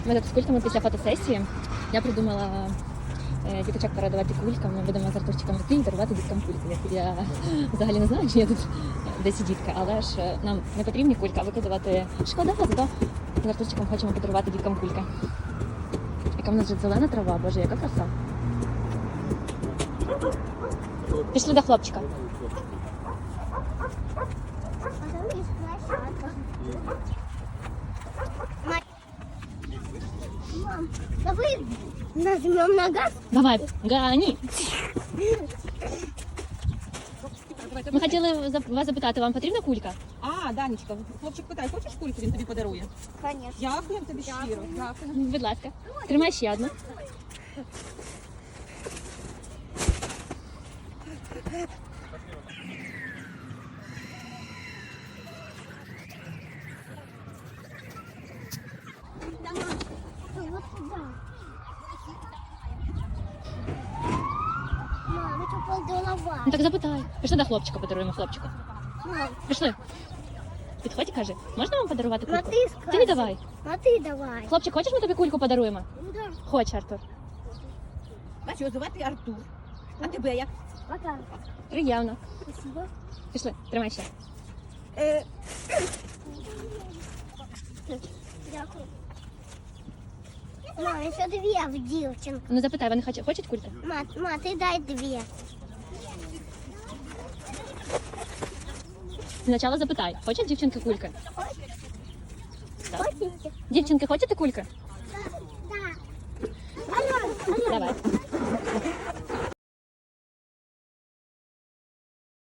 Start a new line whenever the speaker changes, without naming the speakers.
Ми тут з кульками після фотосесії. Я придумала діточок порадувати кульками. Ми будемо з Артурчиком йти і дарувати діткам кульки. Я взагалі не знаю, чи є тут десь дітка, але ж нам не потрібні кульки, а викидувати шкода, зато з Артурчиком хочемо подарувати діткам кульки. Яка в нас вже зелена трава, боже, яка краса. Пішли до хлопчика.
Мам, давай нажмем на газ.
Давай, гони. Ми хотіли вас запитати, вам потрібна кулька?
А, Данечка, хлопчик питає, хочеш кульку, він тобі подарує?
Конечно.
Дякуємо тобі щиро. Дякую.
Будь ласка. Тримай ще одну.
Вот сюда. Мам, это полголова.
Ну так запитай. Пішли до хлопчика, подаруємо хлопчику.
Мам,
Пішли. Підходь і кажи, можна вам подарувати
ну
кульку?
ты скажи.
Ти не давай.
Ну ты давай.
Хлопчик, хочеш, ми тобі кульку подаруємо?
Ну да.
Хоче, Артур.
Бачу, його звати Артур. А тебе як?
Пока.
Приємно.
Спасибо.
Пішли, тримай ще.
Дякую. Мам, еще две в дівчинку.
Ну запитай, вони хочуть кульки?
Ма, ты дай две.
Спочатку запитай, хочуть дівчинки кульки? Так.
Хотите?
Дівчинки, хочете кульки?
Да. Алло, алло.
Давай.